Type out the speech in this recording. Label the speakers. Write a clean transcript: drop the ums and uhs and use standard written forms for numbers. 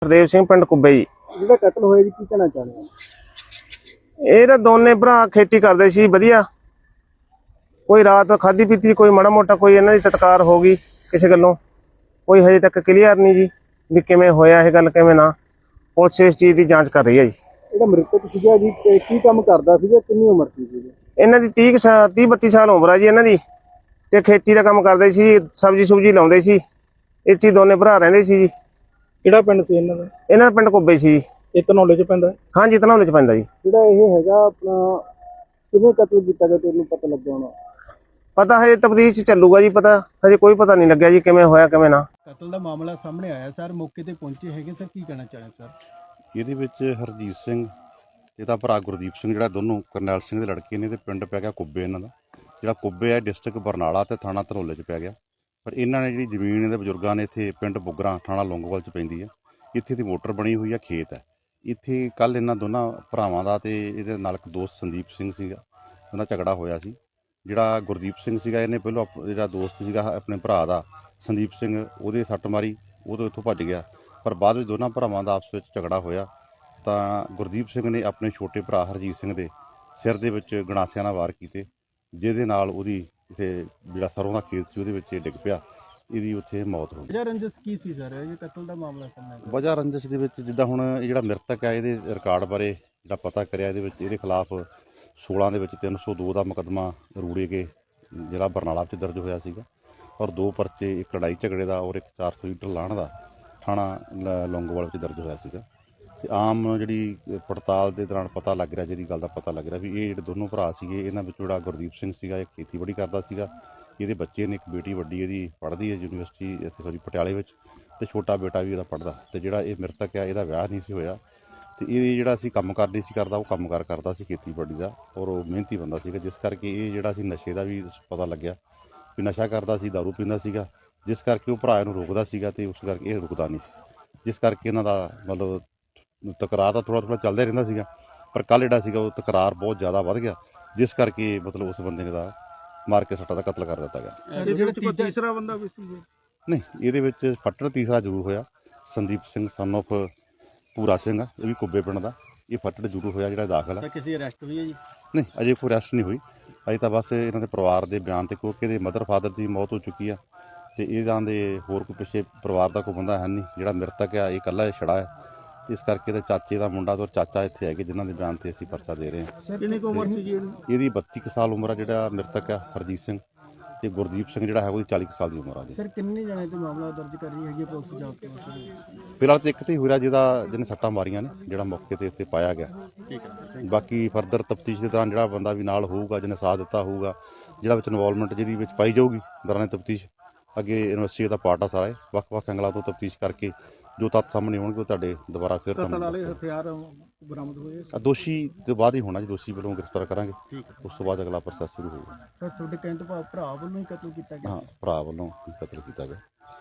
Speaker 1: ਹਰਦੇਵ ਸਿੰਘ ਪਿੰਡ ਕੁੱਬੇ ਜੀ।
Speaker 2: ਜਿਹੜਾ ਕਤਲ ਹੋਇਆ ਜੀ ਕੀ ਕਹਿਣਾ ਚਾਹੁੰਦੇ ਹੋ?
Speaker 1: ਇਹ ਤਾਂ ਦੋਨੇ ਭਰਾ ਖੇਤੀ ਕਰਦੇ ਸੀ ਵਧੀਆ। ਕੋਈ ਰਾਤ ਖਾਦੀ ਪੀਤੀ, ਕੋਈ ਮਾੜਾ ਮੋਟਾ ਕੋਈ ਇਹਨਾਂ ਦੀ ਤਤਕਾਰ ਹੋ ਗਈ ਕਿਸੇ ਗੱਲੋਂ। ਕੋਈ ਹਜੇ ਤੱਕ ਕਲੀਅਰ ਨਹੀਂ ਜੀ ਵੀ ਕਿਵੇਂ ਹੋਇਆ ਇਹ ਗੱਲ, ਕਿਵੇਂ ਨਾ। ਪੁਲਿਸ ਇਸ ਚੀਜ਼ ਦੀ ਜਾਂਚ ਕਰ ਰਹੀ ਹੈ ਜੀ।
Speaker 2: ਜਿਹੜਾ ਮ੍ਰਿਤਕ ਸੀਗਾ ਜੀ ਕੀ ਕੰਮ ਕਰਦਾ ਸੀਗਾ, ਕਿੰਨੀ ਉਮਰ ਸੀ ਜੀ?
Speaker 1: ਇਹਨਾਂ ਦੀ 30-32 ਸਾਲ ਉਮਰ ਆ ਜੀ ਇਹਨਾਂ ਦੀ, ਤੇ ਖੇਤੀ ਦਾ ਕੰਮ ਕਰਦੇ ਸੀ, ਸਬਜ਼ੀ ਸੁਬਜੀ ਲਾਉਂਦੇ ਸੀ। ਇੱਥੇ ਹੀ ਦੋਨੇ ਭਰਾ ਰਹਿੰਦੇ ਸੀ ਜੀ।
Speaker 2: ਕਿਹੜਾ ਪਿੰਡ ਸੀ ਇਹਨਾਂ ਦਾ?
Speaker 1: ਇਹਨਾਂ ਦਾ ਪਿੰਡ ਕੁੱਬੇ ਸੀ।
Speaker 2: ਇਹ ਧਨੌਲੇ ਚ ਪੈਂਦਾ?
Speaker 1: ਹਾਂਜੀ, ਧਨੌਲੇ ਚ ਪੈਂਦਾ ਜੀ।
Speaker 2: ਜਿਹੜਾ ਇਹ ਹੈਗਾ ਆਪਣਾ ਕਿਵੇਂ ਕਤਲ ਕੀਤਾ ਗਿਆ ਤੁਹਾਨੂੰ ਪਤਾ ਲੱਗਿਆ ਹੋਣਾ?
Speaker 1: ਪਤਾ ਹਜੇ ਤਫਤੀਸ਼ ਚ ਚੱਲੂਗਾ ਜੀ, ਪਤਾ ਹਜੇ ਕੋਈ ਪਤਾ ਨਹੀਂ ਲੱਗਿਆ ਜੀ ਕਿਵੇਂ ਹੋਇਆ ਕਿਵੇਂ ਨਾ।
Speaker 2: ਕਤਲ ਦਾ ਮਾਮਲਾ ਸਾਹਮਣੇ ਆਇਆ ਸਰ, ਮੌਕੇ ਤੇ ਪਹੁੰਚੇ ਹੈਗੇ ਸਰ, ਕੀ ਕਹਿਣਾ ਚਾਹੁੰਦੇ ਸਰ?
Speaker 3: ਇਹਦੇ ਵਿੱਚ ਹਰਜੀਤ ਸਿੰਘ ਤੇ ਇਹਦਾ ਭਰਾ ਗੁਰਦੀਪ ਸਿੰਘ, ਜਿਹੜਾ ਦੋਨੋਂ ਕਰਨੈਲ ਸਿੰਘ ਦੇ ਲੜਕੇ ਨੇ, ਤੇ ਪਿੰਡ ਪੈ ਗਿਆ ਕੁੱਬੇ ਇਹਨਾਂ ਦਾ। ਜਿਹੜਾ ਕੁੱਬੇ ਹੈ ਡਿਸਟ੍ਰਿਕਟ ਬਰਨਾਲਾ ਤੇ ਥਾਣਾ ਧਨੌਲੇ 'ਚ ਪੈ ਗਿਆ। ਪਰ ਇਹਨਾਂ ਨੇ ਜਿਹੜੀ ਜ਼ਮੀਨ ਇਹਦੇ ਬਜ਼ੁਰਗਾਂ ਨੇ ਇੱਥੇ ਪਿੰਡ ਬੁੱਗਰਾ ਥਾਣਾ ਲੌਂਗੋਵਾਲ 'ਚ ਪੈਂਦੀ ਹੈ, ਇੱਥੇ ਦੀ ਮੋਟਰ ਬਣੀ ਹੋਈ ਆ, ਖੇਤ ਹੈ ਇੱਥੇ। ਕੱਲ੍ਹ ਇਹਨਾਂ ਦੋਨਾਂ ਭਰਾਵਾਂ ਦਾ ਤੇ ਇਹਦੇ ਨਾਲ ਇੱਕ ਦੋਸਤ ਸੰਦੀਪ ਸਿੰਘ ਸੀਗਾ, ਉਹਦਾ ਝਗੜਾ ਹੋਇਆ ਸੀ। ਜਿਹੜਾ ਗੁਰਦੀਪ ਸਿੰਘ ਸੀਗਾ, ਇਹਨੇ ਪਹਿਲਾਂ ਜਿਹੜਾ ਦੋਸਤ ਸੀਗਾ ਆਪਣੇ ਭਰਾ ਦਾ ਸੰਦੀਪ ਸਿੰਘ, ਉਹਦੇ ਸੱਟ ਮਾਰੀ, ਉਹ ਤੋਂ ਇੱਥੋਂ ਭੱਜ ਗਿਆ। ਪਰ ਬਾਅਦ ਵਿੱਚ ਦੋਨਾਂ ਭਰਾਵਾਂ ਦਾ ਆਪਸ ਵਿੱਚ ਝਗੜਾ ਹੋਇਆ ਤਾਂ ਗੁਰਦੀਪ ਸਿੰਘ ਨੇ ਆਪਣੇ ਛੋਟੇ ਭਰਾ ਹਰਜੀਤ ਸਿੰਘ ਦੇ ਸਿਰ ਦੇ ਵਿੱਚ ਗੰਡਾਸਿਆਂ ਨਾਲ ਵਾਰ ਕੀਤੇ, ਜਿਹਦੇ ਨਾਲ ਉਹਦੀ ਇੱਥੇ ਜਿਹੜਾ ਸਰੋਂ ਦਾ ਖੇਤ ਸੀ ਉਹਦੇ ਵਿੱਚ ਡਿੱਗ ਪਿਆ, ਇਹਦੀ ਉੱਥੇ ਮੌਤ ਹੋ ਗਈ।
Speaker 2: ਵਜ੍ਹਾ ਰੰਜਿਸ਼ ਕੀ ਸੀ ਸਰ ਇਹ ਕਤਲ ਦਾ ਮਾਮਲਾ ਸਾਹਮਣੇ?
Speaker 3: ਵਜ੍ਹਾ ਰੰਜਿਸ਼ ਦੇ ਵਿੱਚ ਜਿੱਦਾਂ ਹੁਣ ਇਹ ਜਿਹੜਾ ਮ੍ਰਿਤਕ ਹੈ, ਇਹਦੇ ਰਿਕਾਰਡ ਬਾਰੇ ਜਿਹੜਾ ਪਤਾ ਕਰਿਆ, ਇਹਦੇ ਵਿੱਚ ਇਹਦੇ ਖਿਲਾਫ 16 ਦੇ ਵਿੱਚ 302 ਦਾ ਮੁਕੱਦਮਾ ਰੂੜੇ ਕੇ ਜ਼ਿਲ੍ਹਾ ਬਰਨਾਲਾ ਵਿੱਚ ਦਰਜ ਹੋਇਆ ਸੀਗਾ, ਔਰ 2 ਪਰਚੇ, ਇੱਕ ਲੜਾਈ ਝਗੜੇ ਦਾ ਔਰ ਇੱਕ 400 ਲੀਟਰ ਲਾਹਣ ਦਾ ਥਾਣਾ ਲੌਂਗੋਵਾਲ ਵਿੱਚ ਦਰਜ ਹੋਇਆ ਸੀਗਾ। ਤੇ ਆਮ ਜਿਹੜੀ ਪੜਤਾਲ ਦੇ ਦੌਰਾਨ ਪਤਾ ਲੱਗ ਰਿਹਾ, ਜਿਹਦੀ ਗੱਲ ਦਾ ਪਤਾ ਲੱਗ ਰਿਹਾ ਵੀ ਇਹ ਜਿਹੜੇ ਦੋਨੋਂ ਭਰਾ ਸੀਗੇ, ਇਹਨਾਂ ਵਿੱਚੋਂ ਜਿਹੜਾ ਗੁਰਦੀਪ ਸਿੰਘ ਸੀਗਾ ਇਹ ਖੇਤੀਬਾੜੀ ਕਰਦਾ ਸੀਗਾ। ਇਹਦੇ ਬੱਚੇ ਨੇ, ਇੱਕ ਬੇਟੀ ਵੱਡੀ ਇਹਦੀ ਪੜ੍ਹਦੀ ਹੈ ਯੂਨੀਵਰਸਿਟੀ ਇੱਥੇ ਪਟਿਆਲੇ ਵਿੱਚ, ਤੇ ਛੋਟਾ ਬੇਟਾ ਵੀ ਇਹਦਾ ਪੜ੍ਹਦਾ। ਤੇ ਜਿਹੜਾ ਇਹ ਮ੍ਰਿਤਕ ਆ, ਇਹਦਾ ਵਿਆਹ ਨਹੀਂ ਸੀ ਹੋਇਆ, ਤੇ ਇਹ ਜਿਹੜਾ ਸੀ ਕੰਮਕਾਰ ਨਹੀਂ ਸੀ ਕਰਦਾ, ਉਹ ਕੰਮਕਾਰ ਕਰਦਾ ਸੀ ਖੇਤੀਬਾੜੀ ਦਾ, ਔਰ ਉਹ ਮਿਹਨਤੀ ਬੰਦਾ ਸੀਗਾ। ਜਿਸ ਕਰਕੇ ਇਹ ਜਿਹੜਾ ਸੀ ਨਸ਼ੇ ਦਾ ਵੀ ਪਤਾ ਲੱਗਿਆ ਵੀ ਨਸ਼ਾ ਕਰਦਾ ਸੀ, ਦਾਰੂ ਪੀਂਦਾ ਸੀਗਾ, ਜਿਸ ਕਰਕੇ ਉਹ ਭਰਾ ਇਹਨੂੰ ਰੋਕਦਾ ਸੀਗਾ ਤੇ ਉਸ ਕਰਕੇ ਇਹ ਰੁਕਦਾ ਨਹੀਂ ਸੀ। ਜਿਸ ਕਰਕੇ ਇਹਨਾਂ ਦਾ ਮਤਲਬ ਤਕਰਾਰ ਤਾਂ ਥੋੜ੍ਹਾ ਚੱਲਦਾ ਰਹਿੰਦਾ ਸੀਗਾ, ਪਰ ਕੱਲ੍ਹ ਜਿਹੜਾ ਸੀਗਾ ਉਹ ਤਕਰਾਰ ਬਹੁਤ ਜ਼ਿਆਦਾ ਵੱਧ ਗਿਆ, ਜਿਸ ਕਰਕੇ ਮਤਲਬ ਉਸ ਬੰਦੇ ਨੇ ਦਾ ਮਾਰ ਕੇ ਸੱਟਾਂ ਦਾ ਕਤਲ ਕਰ ਦਿੱਤਾ ਗਿਆ।
Speaker 2: ਜਿਹੜਾ ਕੋਈ ਤੀਸਰਾ ਬੰਦਾ ਵੀ ਸੀ?
Speaker 3: ਨਹੀਂ, ਇਹਦੇ ਵਿੱਚ ਫੱਟੜ ਤੀਸਰਾ ਜ਼ਰੂਰ ਹੋਇਆ। ਸੰਦੀਪ ਸਿੰਘ ਸਨ ਆਫ ਪੂਰਾ ਸਿੰਘ ਆ, ਇਹ ਵੀ ਕੁੱਬੇ ਪਿੰਡ ਦਾ, ਇਹ ਫੱਟੜ ਜ਼ਰੂਰ ਹੋਇਆ ਜਿਹੜਾ ਦਾਖਲ ਆ।
Speaker 2: ਕਿਸੇ ਅਰੈਸਟ ਹੋਈ ਹੈ ਜੀ?
Speaker 3: ਨਹੀਂ, ਅਜੇ ਕੋਈ ਅਰੈਸਟ ਨਹੀਂ ਹੋਈ, ਅਜੇ ਤਾਂ ਬਸ ਇਹਨਾਂ ਦੇ ਪਰਿਵਾਰ ਦੇ ਬਿਆਨ ਤੇ, ਕਿਉਂਕਿ ਇਹਦੇ ਮਦਰ ਫਾਦਰ ਦੀ ਮੌਤ ਹੋ ਚੁੱਕੀ ਆ, ਤੇ ਇਹਨਾਂ ਦੇ ਹੋਰ ਕੋਈ ਪਿੱਛੇ ਪਰਿਵਾਰ ਦਾ ਕੋਈ ਬੰਦਾ ਹੈ ਨਹੀਂ। ਜਿਹੜਾ ਮ੍ਰਿਤਕ ਆ ਇਹ ਇਕੱਲਾ ਛੜਾ ਹੈ, ਇਸ ਕਰਕੇ ਤੇ ਚਾਚੇ ਦਾ ਮੁੰਡਾ ਤੇ ਚਾਚਾ ਇੱਥੇ ਹੈਗੇ, ਜਿਨ੍ਹਾਂ ਦੇ ਬਿਆਨ ਤੇ ਅਸੀਂ ਪਰਚਾ ਦੇ ਰਹੇ ਹਾਂ।
Speaker 2: ਕਿੰਨੀ ਕੁ ਉਮਰ ਸੀ ਜੀ
Speaker 3: ਇਹਦੀ 32 ਸਾਲ ਉਮਰ ਆ ਜਿਹੜਾ ਮ੍ਰਿਤਕ ਆ ਹਰਜੀਤ ਸਿੰਘ, ਤੇ ਗੁਰਦੀਪ ਸਿੰਘ ਜਿਹੜਾ ਹੈ ਉਹਦੀ 40 ਸਾਲ ਦੀ ਉਮਰ ਆ ਜੀ।
Speaker 2: ਸਰ ਕਿੰਨੇ ਜਣੇ ਤੇ ਮਾਮਲਾ ਦਰਜ ਕਰ ਰਹੀ ਹੈਗੀ ਪੁਲਿਸ ਜਾ ਕੇ?
Speaker 3: ਫਿਲਹਾਲ ਤੇ ਇੱਕ ਤੇ ਹੀ ਹੋਇਆ ਜਿਹਨੇ ਸੱਟਾਂ ਮਾਰੀਆਂ ਨੇ, ਜਿਹੜਾ ਮੌਕੇ ਤੇ ਇੱਥੇ ਪਾਇਆ ਗਿਆ।
Speaker 2: ਠੀਕ ਹੈ।
Speaker 3: ਬਾਕੀ ਫਰਦਰ ਤਫਤੀਸ਼ ਦੇ ਦੌਰਾਨ ਜਿਹੜਾ ਬੰਦਾ ਵੀ ਨਾਲ ਹੋਊਗਾ, ਜਿਹਨੇ ਸਾਥ ਦਿੱਤਾ ਹੋਊਗਾ, ਜਿਹੜਾ ਵਿੱਚ ਇਨਵੋਲਵਮੈਂਟ ਜਿਹਦੀ ਵਿੱਚ ਪਾਈ ਜਾਊਗੀ ਦੌਰਾਨ ਤਫਤੀਸ਼, ਅੱਗੇ ਯੂਨੀਵਰਸਿਟੀ ਦਾ ਪਾਰਟ ਆ ਸਾਰਾ ਇਹ, ਵੱਖ-ਵੱਖ ਐਂਗਲਾਂ ਤੋਂ ਤਫਤੀਸ਼ ਕਰਕੇ ਜੋ ਤੱਥ ਸਾਹਮਣੇ ਆਉਣਗੇ ਉਹ ਤੁਹਾਡੇ ਦੁਬਾਰਾ ਫਿਰ
Speaker 2: ਕਤਲ ਵਾਲੇ ਹਥਿਆਰ ਬਰਾਮਦ ਹੋਏ?
Speaker 3: ਦੋਸ਼ੀ ਤੋਂ ਬਾਅਦ ਹੀ ਹੋਣਾ ਜੀ, ਦੋਸ਼ੀ ਵੱਲੋਂ ਗ੍ਰਿਫਤਾਰ ਕਰਾਂਗੇ,
Speaker 2: ਠੀਕ ਹੈ।
Speaker 3: ਉਸ ਤੋਂ ਬਾਅਦ ਅਗਲਾ ਪ੍ਰੋਸੈਸ ਸ਼ੁਰੂ ਹੋਊਗਾ।
Speaker 2: ਸਰ ਤੁਹਾਡੇ ਕਹਿਣ ਤੋਂ ਭਾਵ ਭਰਾ ਵੱਲੋਂ ਹੀ ਕਤਲ ਕੀਤਾ ਗਿਆ?
Speaker 3: ਹਾਂ, ਭਰਾ ਵੱਲੋਂ ਕਤਲ ਕੀਤਾ ਗਿਆ।